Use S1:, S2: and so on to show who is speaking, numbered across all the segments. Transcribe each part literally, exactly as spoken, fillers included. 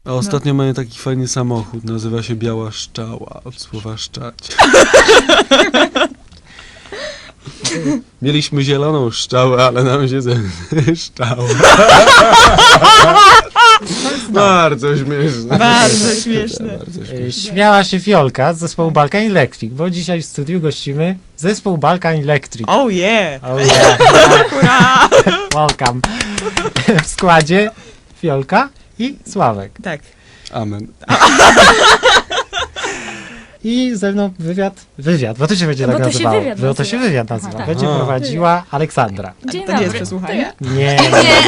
S1: A ostatnio no. mają taki fajny samochód, nazywa się Biała Szczała, od słowa szczać. Mieliśmy zieloną szczałę, ale nam się szczała. Bardzo śmieszne.
S2: Bardzo śmieszne.
S3: Bardzo śmieszne. Śmiała się Fiolka z zespołu Balkan Electric, bo dzisiaj w studiu gościmy zespół Balkan Electric.
S2: Oh yeah!
S3: Oh yeah!
S2: Hurra!
S3: Welcome! W składzie Fiolka i Sławek.
S2: Tak.
S1: Amen.
S3: I ze mną wywiad, wywiad, bo to się będzie
S4: bo
S3: tak
S4: to
S3: nazywało.
S4: Się wywiad
S3: bo
S4: nazywa.
S3: to się wywiad nazywa.
S4: Aha, tak.
S3: Będzie
S1: A.
S3: prowadziła Aleksandra.
S4: Dzień
S2: A to nie jest
S4: dobry.
S2: przesłuchanie?
S3: Nie.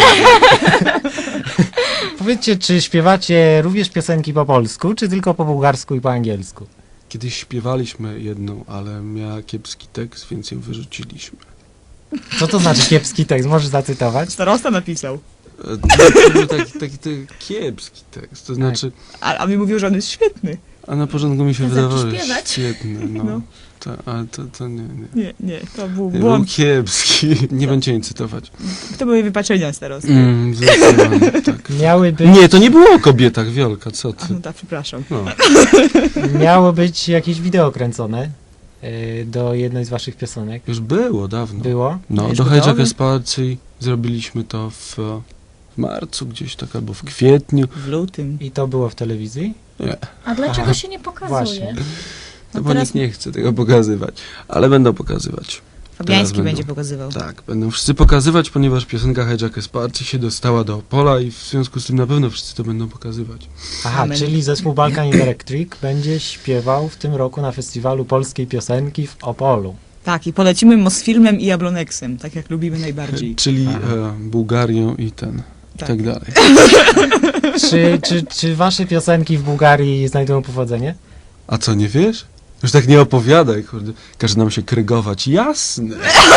S3: Powiedzcie, czy śpiewacie również piosenki po polsku, czy tylko po bułgarsku i po angielsku?
S1: Kiedyś śpiewaliśmy jedną, ale miała kiepski tekst, więc ją wyrzuciliśmy.
S3: Co to znaczy kiepski tekst? Możesz zacytować?
S2: Starosta napisał.
S1: E, To był taki, taki, taki kiepski tekst, to znaczy...
S2: A, a mi mówił, że on jest świetny.
S1: A na początku mi się
S4: To
S1: wydawało,
S4: zacząć
S1: że
S4: śpiewać.
S1: świetny, no.
S2: No.
S1: To, ale to, to nie, nie.
S2: Nie, nie, to był
S1: Był
S2: błąd.
S1: kiepski. Nie będzie jej cytować.
S2: To były wypaczenia starosty.
S1: Mm, zdecydowanie, tak.
S3: Miały być,
S1: Nie, to nie było o kobietach, Wiolka, co
S2: A,
S1: ty?
S2: no tak, przepraszam.
S1: No.
S3: miało być jakieś wideo kręcone y, do jednej z waszych piosenek.
S1: Już było dawno.
S3: Było?
S1: No,
S3: Już
S1: do
S3: gotowe?
S1: Hejczaka Esparcji zrobiliśmy to w, w marcu gdzieś tak, albo w kwietniu.
S2: W lutym.
S3: I to było w telewizji?
S1: Nie,
S4: A dlaczego
S3: Aha.
S4: się nie pokazuje?
S3: Właśnie.
S1: no
S2: No
S1: bo
S2: teraz
S1: nikt nie chce tego pokazywać. Ale będą pokazywać.
S2: Fabiański
S1: Teraz
S2: będzie
S1: będą.
S2: pokazywał.
S1: Tak, będą wszyscy pokazywać, ponieważ piosenka Hejczaka Esparcji się dostała do Opola i w związku z tym na pewno wszyscy to będą pokazywać.
S3: Aha,
S2: Amen.
S3: czyli zespół Balkan Electric będzie śpiewał w tym roku na festiwalu polskiej piosenki w Opolu.
S2: Tak, i polecimy Mosfilmem i Jabloneksem, tak jak lubimy najbardziej.
S1: Czyli
S3: Aha.
S1: e, Bułgarią i ten, i
S2: Tak.
S1: tak dalej.
S3: Czy, czy, czy wasze piosenki w Bułgarii znajdują powodzenie?
S1: A co, nie wiesz? Już tak nie opowiadaj, kurde. Każe nam się krygować. Jasne.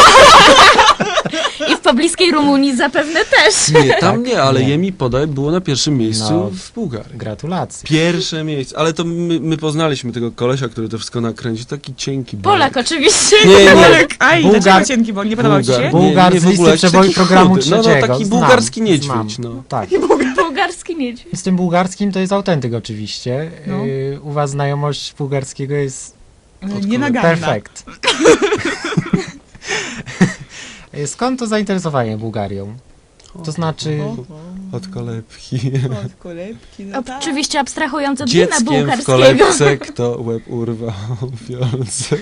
S4: I w pobliskiej Rumunii zapewne też.
S1: Nie, tam
S3: Tak,
S1: nie, ale
S3: nie.
S1: Jemi Podaj było na pierwszym miejscu
S3: No.
S1: w Bułgarii.
S3: Gratulacje.
S1: Pierwsze miejsce, ale to my, my poznaliśmy tego kolesia, który to wszystko nakręcił, taki cienki
S4: Polak
S1: Bolek.
S4: oczywiście.
S1: Nie, nie,
S2: Bolek, aj,
S3: Bułgar-
S2: dlaczego cienki, bo nie podobał ci
S1: Bułgar-
S2: się?
S3: Bułgar- Bułgar
S1: nie,
S3: z
S1: nie, w ogóle,
S3: listy
S1: jakiś
S3: przeboju
S1: taki
S3: programu
S1: chudy. No, no,
S3: trzeciego.
S1: taki
S3: Znam,
S1: bułgarski niedźwiedź,
S3: znam.
S1: no.
S3: Tak.
S4: Bułgarski miedź.
S3: Z tym bułgarskim to jest autentyk oczywiście.
S2: No.
S3: Y, u was znajomość bułgarskiego jest
S2: Nienaganna.
S3: perfekt. Y, Skąd to zainteresowanie Bułgarią? To znaczy...
S2: O,
S1: Od kolebki.
S2: o, od kolebki, no tak.
S4: Oczywiście abstrahując od wina
S1: Dzieckiem w
S4: bułgarskiego.
S1: kolebce, kto łeb urwał wiolce.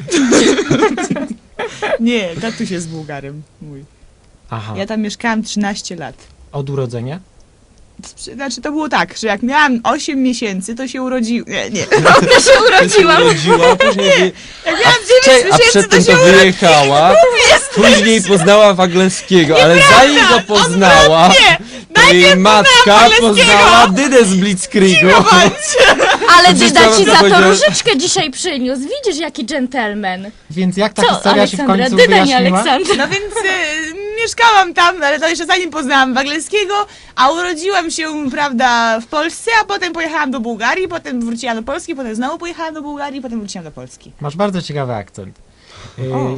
S2: Nie, tatuś jest Bułgarem mój.
S3: Aha,
S2: Ja tam mieszkałam trzynaście lat.
S3: od urodzenia?
S2: Znaczy to było tak, że jak miałam osiem miesięcy, to się urodził. Nie, nie.
S4: Ona się urodziłam.
S1: Urodziła, później wy...
S2: Jak miałam
S1: a,
S2: dziewięć
S1: a
S2: miesięcy,
S1: przedtem
S2: to
S1: to
S2: się urodził.
S1: wyjechała, później poznała Wagleskiego, ale zanim go poznała,
S2: Nie,
S1: to jej matka
S2: Wagleskiego.
S1: poznała Dydę z Blitzkriegu.
S4: Ale
S1: Przecież
S4: Dyda
S1: teraz
S4: ci
S1: to
S4: za to
S1: powiedziałem-
S4: różyczkę dzisiaj przyniósł. Widzisz, jaki dżentelmen.
S3: Więc jak ta
S4: Co,
S3: historia się w
S4: Aleksandra?
S3: końcu
S4: Dyda, nie
S3: wyjaśniła?
S4: Aleksandra.
S2: No więc e, mieszkałam tam, ale to jeszcze zanim poznałam Wagleskiego, a urodziłam się, prawda, w Polsce, a potem pojechałam do Bułgarii, potem wróciłam do Polski, potem znowu pojechałam do Bułgarii, potem wróciłam do Polski.
S3: Masz bardzo ciekawy akcent. Y,
S2: O.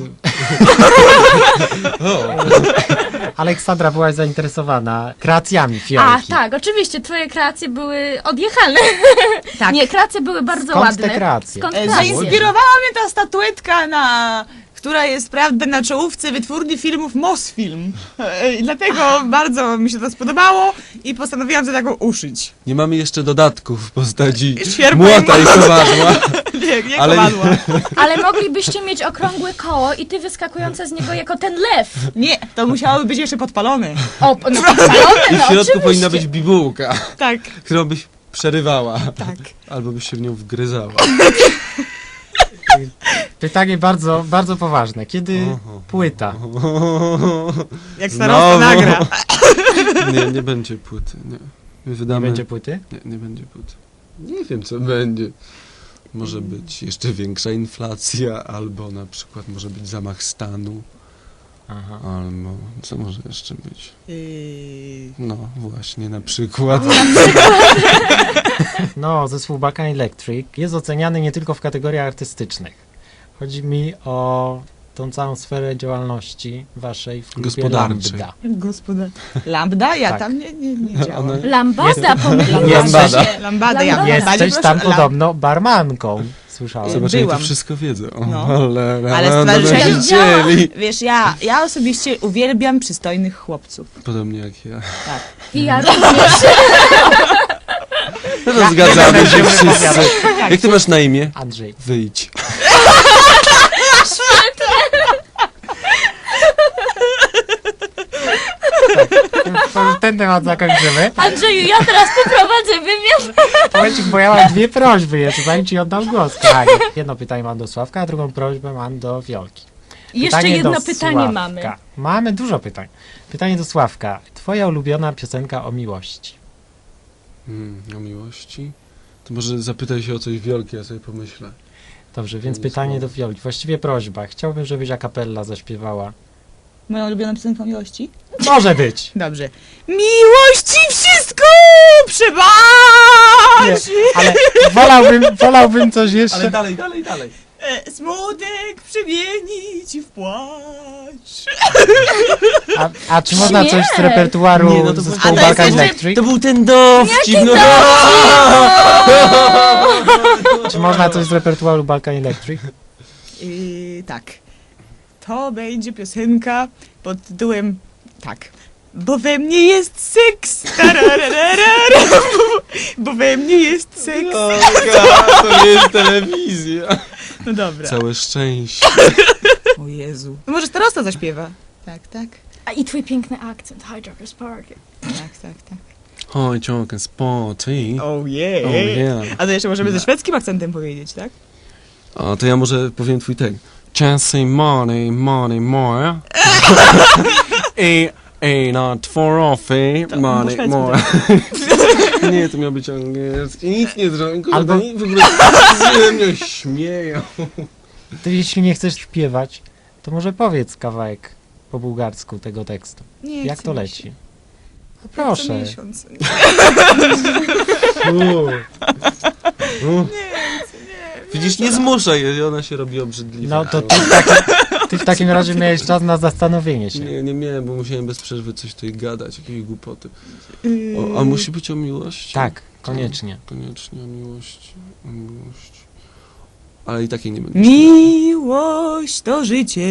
S3: Aleksandra byłaś zainteresowana kreacjami
S4: A,
S3: Fiolki.
S4: tak, oczywiście, twoje kreacje były odjechane.
S2: Tak.
S4: Nie, kreacje były bardzo
S3: Skąd
S4: ładne.
S3: te kreacje?
S4: Skąd
S2: E,
S4: kreacje?
S2: Zainspirowała mnie ta statuetka, na, która jest, prawda, na czołówce wytwórni filmów Mosfilm. E, I dlatego bardzo mi się to spodobało i postanowiłam sobie taką uszyć.
S1: Nie mamy jeszcze dodatków w postaci
S2: Sierpa i
S1: młota i kowadła.
S2: Nie, nie
S1: Ale-
S2: kowadła.
S4: Ale moglibyście mieć okrągłe koło i ty wyskakująca z niego jako ten lew.
S2: Nie, to musiałoby być jeszcze podpalone.
S4: O, no podpalone,
S1: I w
S4: no
S1: środku
S4: oczywiście.
S1: powinna być bibułka,
S2: Tak,
S1: którą byś przerywała.
S2: tak.
S1: Albo byś się w nią wgryzała.
S3: Pytanie bardzo, bardzo poważne. Kiedy
S1: Oho.
S3: płyta?
S2: Jak starosta
S1: Znowu.
S2: nagra.
S1: Nie, nie będzie płyty. Nie. My
S3: Nie
S1: wydamy...
S3: będzie płyty?
S1: Nie, nie będzie płyty. Nie wiem, co będzie. Może być jeszcze większa inflacja, albo na przykład może być zamach stanu,
S3: Aha.
S1: albo co może jeszcze być?
S2: Yy,
S1: No właśnie, na przykład.
S3: No, zespół Balkan Electric jest oceniany nie tylko w kategoriach artystycznych. Chodzi mi o tą całą sferę działalności waszej w klubie
S1: Gospodarczej.
S3: Lambda.
S2: Gospoda. Lambda? Ja
S3: Tak.
S2: tam nie, nie, nie działam.
S1: Ona-
S4: Lambada, pomyliłam
S1: Lambada.
S4: się.
S2: Lambada, ja
S4: Lambada.
S2: najbardziej
S3: Jesteś
S2: proszę,
S3: tam
S2: lam-
S3: podobno barmanką, słyszałem.
S2: Zobacz,
S1: Zobacz, jak to
S2: Byłam.
S1: wszystko wiedzą. O,
S2: No.
S1: ale,
S2: Ale
S1: ale
S2: stowarzyszenie-
S1: wiedzieli.
S2: Wiesz, ja, ja osobiście uwielbiam przystojnych chłopców.
S1: Podobnie jak ja.
S2: Tak.
S4: I ja również.
S1: No zgadzamy się
S3: będziemy
S1: wszyscy.
S3: wypowiadać.
S1: Jak ty masz na imię?
S3: Andrzej.
S1: Wyjdź.
S3: To ten temat zakończymy.
S4: Andrzeju, ja teraz poprowadzę wywiad.
S3: Momencik, bo ja mam dwie prośby jeszcze, zanim ci oddam głos. Kochanie. Jedno pytanie mam do Sławka, a drugą prośbę mam do Wiolki.
S4: Jeszcze
S3: Pytanie
S4: jedno
S3: do
S4: pytanie
S3: Sławka.
S4: mamy.
S3: Mamy dużo pytań. Pytanie do Sławka. Twoja ulubiona piosenka o miłości.
S1: Hmm, o miłości? To może zapytaj się o coś Wiolki, ja sobie pomyślę.
S3: Dobrze, więc
S1: Nie
S3: pytanie
S1: słowo.
S3: do Wiolki. Właściwie prośba. Chciałbym, żebyś a cappella zaśpiewała.
S2: Moją ulubioną piosenką miłości?
S3: Może być.
S2: Dobrze. Miłości wszystko
S3: Nie,
S2: przebaczy.
S3: ale wolałbym, wolałbym coś jeszcze.
S1: dalej, dalej, dalej.
S2: E, smutek przemienić w płacz.
S3: A, a czy można
S4: Nie.
S3: coś z repertuaru
S1: Nie, no to
S3: zespołu
S2: było- A to
S3: Balkan
S2: jest-
S3: Electric?
S1: To był ten dowcip, no.
S3: Czy można coś z repertuaru Balkan Electric?
S2: Yy, tak. To będzie piosenka pod tytułem tak. Bo we mnie jest seks. Tarararara. Bo we mnie jest seks.
S1: O, God, to nie jest telewizja.
S2: No dobra.
S1: Całe szczęście.
S2: O Jezu. No może starosta zaśpiewa. Tak, tak.
S4: A i twój piękny akcent, Hijackers Park.
S2: Tak, tak, tak.
S1: Oj, ciągle sporty.
S2: Oh yeah.
S1: Oh yeah.
S2: A to jeszcze możemy ze szwedzkim akcentem powiedzieć, tak?
S1: O, to ja może powiem twój tekst. Chasing money, money more. I, i not for offy,
S2: To po
S1: money
S2: szwedzku
S1: more. Nie, to miał być angielski. Nic nie zrobię.
S3: Albo-
S1: Albo... W ogóle ze mnie śmieją.
S3: Ty jeśli nie chcesz śpiewać, to może powiedz kawałek po bułgarsku tego tekstu.
S2: Nie
S3: Jak
S2: chce
S3: to
S2: mi
S3: leci?
S2: się.
S3: No
S2: Co
S3: proszę.
S2: miesiąc.
S1: U. U. Widzisz, nie zmuszaj jej, ona się robi obrzydliwa.
S3: No to ty w, takim, ty w takim razie miałeś czas na zastanowienie się.
S1: Nie, nie miałem, bo musiałem bez przerwy coś tutaj gadać, jakieś głupoty.
S2: Yy,
S1: O, a musi być o miłości?
S3: Tak, koniecznie.
S1: Koniecznie o miłości, o miłości. Ale i takiej nie będę.
S2: Miłość to życie,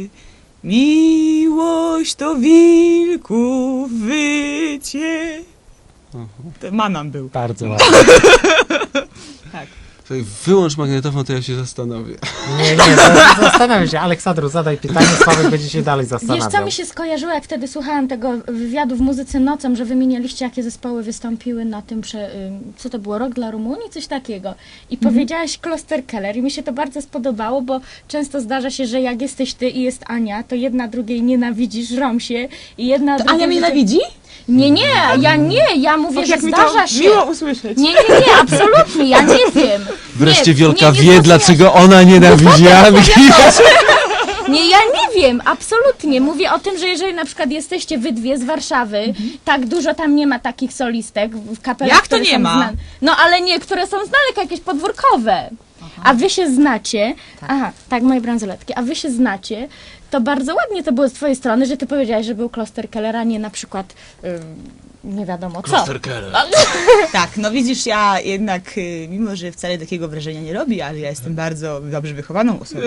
S2: miłość to wilków wycie.
S1: Aha.
S2: To Manam był.
S3: Bardzo ładnie.
S2: Tak.
S1: Słuchaj, wyłącz magnetofon, to ja się zastanowię.
S3: Nie, nie, za- zastanawiam się. Aleksandru, zadaj pytanie, Sławek będzie się dalej
S4: Wiesz, co
S3: zastanawiał.
S4: mi się skojarzyło, jak wtedy słuchałam tego wywiadu w Muzyce Nocą, że wymienialiście, jakie zespoły wystąpiły na tym, prze, ym, co to było, Rok dla Rumunii, coś takiego. I powiedziałaś Kloster Keller i mi się to bardzo spodobało, bo często zdarza się, że jak jesteś ty i jest Ania, to jedna drugiej nienawidzi, żrą się i jedna
S2: To
S4: drugiej...
S2: Ania mnie nienawidzi?
S4: Nie, nie, ja nie, ja mówię,
S2: Och,
S4: że
S2: jak mi
S4: zdarza
S2: to
S4: się.
S2: miło usłyszeć.
S4: Nie, nie, nie, absolutnie, ja nie wiem.
S1: Wreszcie
S4: nie,
S1: Wiolka
S4: nie, nie
S1: wie,
S4: zrozumiałaś.
S1: dlaczego ona nienawidzi Anki.
S4: Nie, ja nie wiem, absolutnie. Mówię o tym, że jeżeli na przykład jesteście wy dwie z Warszawy, tak dużo tam nie ma takich solistek w kapelach,
S2: Jak to
S4: które
S2: nie
S4: są
S2: ma?
S4: znane. No ale nie, które są znane, jako jakieś podwórkowe. A wy się znacie, aha, tak, moje bransoletki, a wy się znacie, to bardzo ładnie to było z twojej strony, że ty powiedziałaś, że był Kloster Keller, a nie na przykład, ym, nie wiadomo co.
S2: Tak, no widzisz, ja jednak, y, mimo że wcale takiego wrażenia nie robi, ale ja jestem bardzo dobrze wychowaną osobą.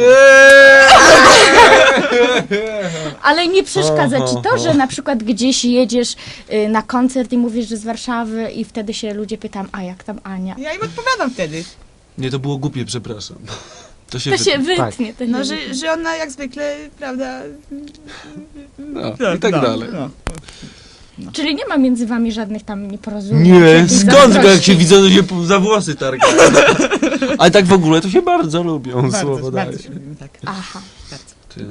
S4: Ale nie przeszkadza ci to, że na przykład gdzieś jedziesz y, na koncert i mówisz, że z Warszawy i wtedy się ludzie pytam, a jak tam Ania?
S2: Ja im odpowiadam wtedy.
S1: Nie, to było głupie, przepraszam. To się
S4: To
S1: wytnie.
S4: się wytnie. To się
S2: No,
S4: wytnie.
S2: że, że ona jak zwykle, prawda...
S1: No, i tak
S2: no,
S1: dalej.
S2: No.
S4: Czyli nie ma między wami żadnych tam nieporozumień?
S1: Nie,
S4: jakiejś
S1: skąd go, jak
S4: zazdrości?
S1: się widzą, to się po- za włosy targają. Ale tak w ogóle to się bardzo lubią, słowo
S2: Bardzo,
S1: daję.
S2: bardzo się lubimy, tak.
S4: Aha.
S1: Ty.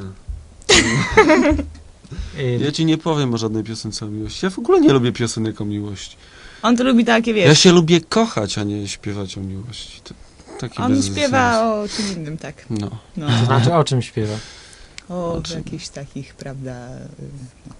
S3: Y,
S1: Ja ci nie powiem o żadnej piosence o miłości. Ja w ogóle nie lubię piosenek o miłości.
S2: On to lubi takie, wiesz,
S1: Ja się lubię kochać, a nie śpiewać o miłości. To takie
S2: on
S1: bez
S2: śpiewa
S1: sensu.
S2: o czym innym, tak.
S1: No.
S2: No.
S3: To znaczy, o czym śpiewa?
S2: O
S1: O czym?
S2: jakichś takich, prawda... y,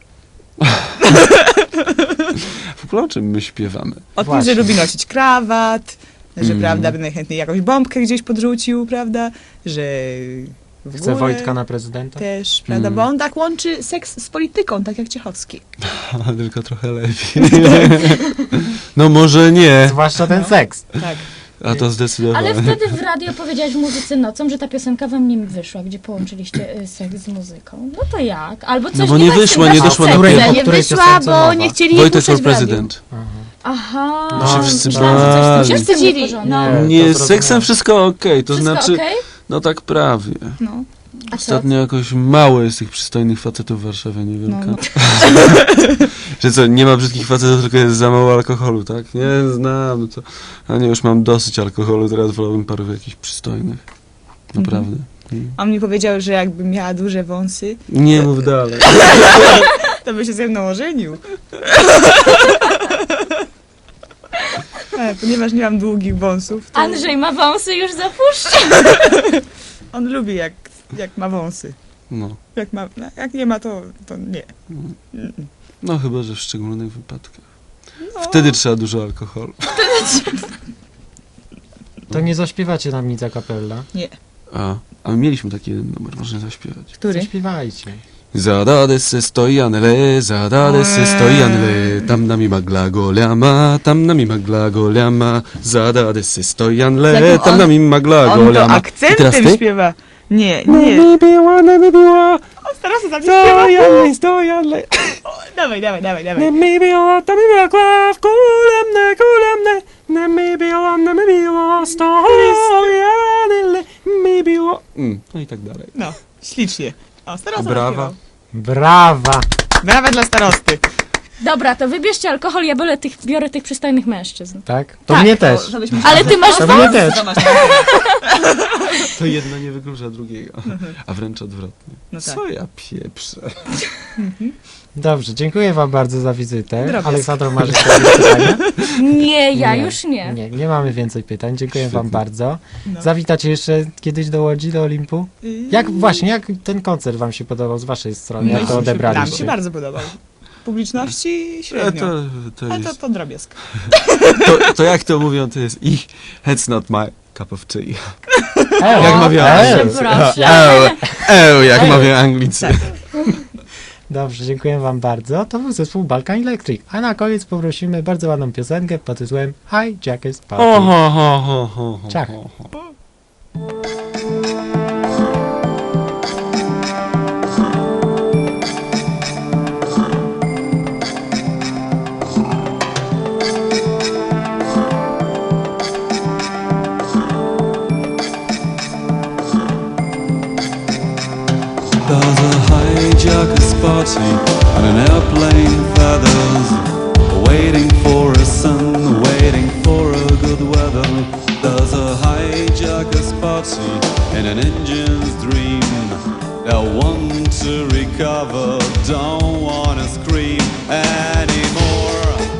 S1: W ogóle o czym my śpiewamy?
S2: O tym,
S3: Właśnie.
S2: że lubi nosić krawat, że
S1: Mm.
S2: prawda, by najchętniej jakąś bombkę gdzieś podrzucił, prawda, że w
S3: Chce
S2: górę.
S3: Wojtka na prezydenta?
S2: Też, prawda?
S1: Mm.
S2: Bo on tak łączy seks z polityką, tak jak Ciechowski.
S1: Ale tylko trochę lepiej. No może nie,
S3: Zwłaszcza ten seks.
S2: Tak.
S1: a to zdecydowanie.
S4: Ale wtedy w radio powiedziałeś w muzyce nocą, że ta piosenka wam nie wyszła, gdzie połączyliście y, seks z muzyką. No to jak? Albo coś
S1: No bo nie
S4: ma z tym
S1: wyszła, nie
S4: waszym
S1: doszła na
S4: seksem.
S3: pierwszą.
S2: Nie
S3: której
S2: wyszła,
S3: piosence
S2: bo
S3: mowa?
S2: nie chcieli jej
S1: Wojtek
S2: puszczać
S1: for
S2: w radiu.
S1: prezydent.
S4: Aha.
S1: No się wszyscy
S4: Myślałam, że coś
S1: bali.
S4: z tym się
S2: Wstydzili.
S4: wstydzili.
S3: Nie.
S4: No.
S1: Nie,
S3: to
S1: z seksem
S3: zrozumiałem.
S1: wszystko okej, to
S4: Wszystko
S1: znaczy,
S4: okej?
S1: no tak prawie.
S2: No.
S4: A co?
S1: Ostatnio jakoś mało jest tych przystojnych facetów w Warszawie, nie wiem.
S2: No, no.
S1: Że co, nie ma brzydkich facetów, tylko jest za mało alkoholu, tak? Nie, znam, no to... A nie, już mam dosyć alkoholu, teraz wolałbym paru jakichś przystojnych. Naprawdę. Mm.
S2: On mi powiedział, że jakbym miała duże wąsy,
S1: Nie mów dalej.
S2: to by się ze mną ożenił. E, Ponieważ nie mam długich wąsów, to
S4: Andrzej ma wąsy, już zapuszcza.
S2: on lubi jak, jak ma wąsy.
S1: No.
S2: Jak, ma, no, jak nie ma, to, to nie. Mm.
S1: No chyba, że w szczególnych wypadkach.
S2: No.
S1: Wtedy trzeba dużo alkoholu.
S3: To nie zaśpiewacie nam nic a cappella?
S1: A, a my mieliśmy taki jeden numer, można zaśpiewać.
S2: Który?
S3: Zaśpiewajcie.
S1: Zadade se stojanele, zadade se stojanele, tam nami magla goliama, tam nami magla goliama, zadade se stojanele,
S2: Jak
S1: tam
S2: on-
S1: nami magla
S2: On to
S1: goliama.
S2: akcentem
S1: ty?
S2: śpiewa. Nie,
S1: No
S2: nie.
S1: mi biła, no mi biła,
S2: On teraz tam nie śpiewa.
S1: stojanele, stojanele.
S2: O, Dawaj, dawaj, dawaj,
S1: Ne
S2: dawaj.
S1: mi biła, tam mi magla, kulemne, kulemne, ne mi biła, ne mi biła, stojanele, mi biła. Mm, no i tak dalej.
S2: No, ślicznie. O, starosta
S1: Brawa.
S2: zaśpiewał.
S3: Brawa!
S2: Brawa dla starosty.
S4: Dobra, to wybierzcie alkohol, ja biorę tych, biorę tych przystojnych mężczyzn.
S3: Tak? To
S2: Tak,
S3: mnie
S2: to-
S3: też.
S2: żebyśmy-
S4: Ale ty masz
S3: To
S4: wąsy.
S3: mnie też.
S2: To masz-
S1: To jedno nie wyklucza drugiego, a wręcz odwrotnie.
S2: No tak.
S1: Co ja pieprzę?
S3: Dobrze, dziękuję wam bardzo za wizytę.
S2: Drobiazg.
S3: Aleksandro, masz jeszcze jakieś pytania?
S4: Nie, ja już nie.
S3: Nie, nie mamy więcej pytań. Dziękuję wam
S1: Świetnie.
S3: bardzo.
S2: No.
S3: Zawitacie jeszcze kiedyś do Łodzi, do Olimpu?
S2: Yy,
S3: Jak właśnie, jak ten koncert wam się podobał z waszej strony?
S2: no
S3: Jak
S2: i
S3: to
S2: Nam
S3: odebraliście?
S2: się bardzo podobał. Publiczności
S1: A
S2: średnio.
S1: to, to,
S2: Ale to,
S1: jest,
S2: to drobiazg.
S1: to, to jak to mówią, to jest ich, that's not my cup of tea.
S3: Eł,
S1: Jak mawiają
S3: eł.
S1: Anglicy.
S4: proszę.
S1: Eł, eł, jak
S3: Eł.
S1: mawiają Anglicy.
S3: Dobrze, dziękuję wam bardzo. To był zespół Balkan Electric. A na koniec poprosimy bardzo ładną piosenkę pod tytułem Hi Jack's Party.
S1: Ho, ho, ho, ho, ho, ho,
S3: Ciach.
S1: ho, ho.
S5: There's a hijackers party on an airplane feathers, waiting for a sun, waiting for a good weather. There's a hijackers party in an engine's dream. They want to recover, don't wanna scream anymore.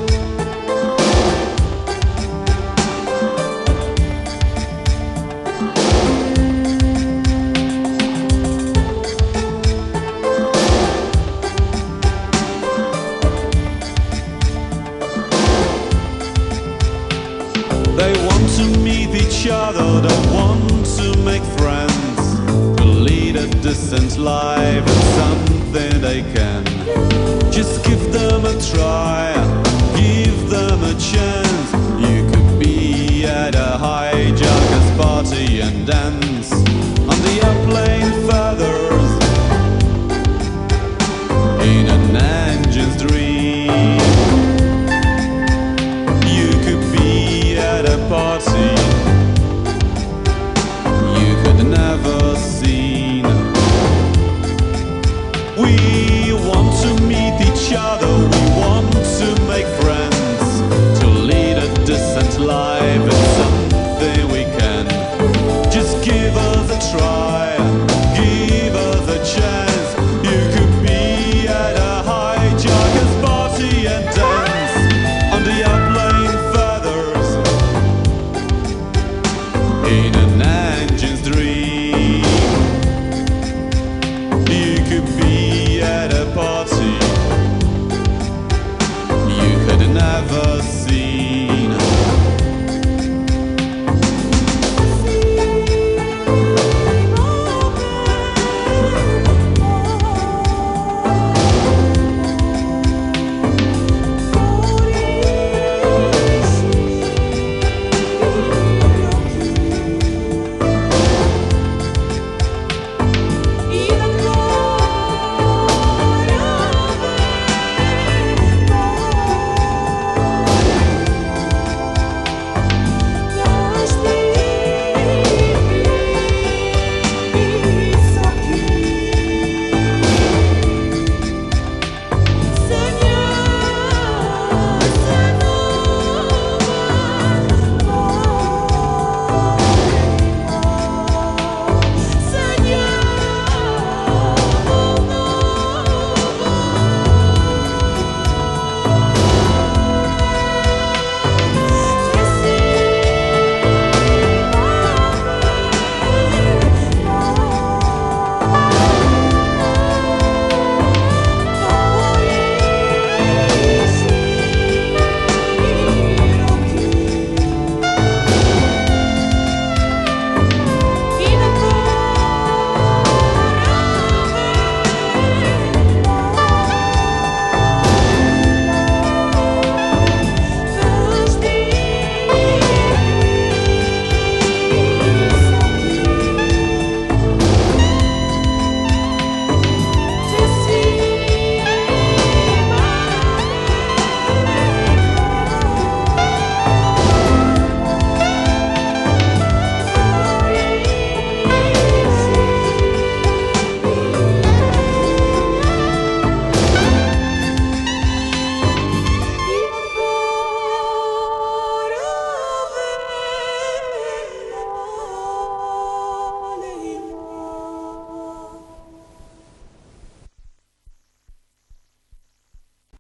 S5: They want to meet each other, they want to make friends, to lead a decent life, it's something they can. Just give them a try, give them a chance.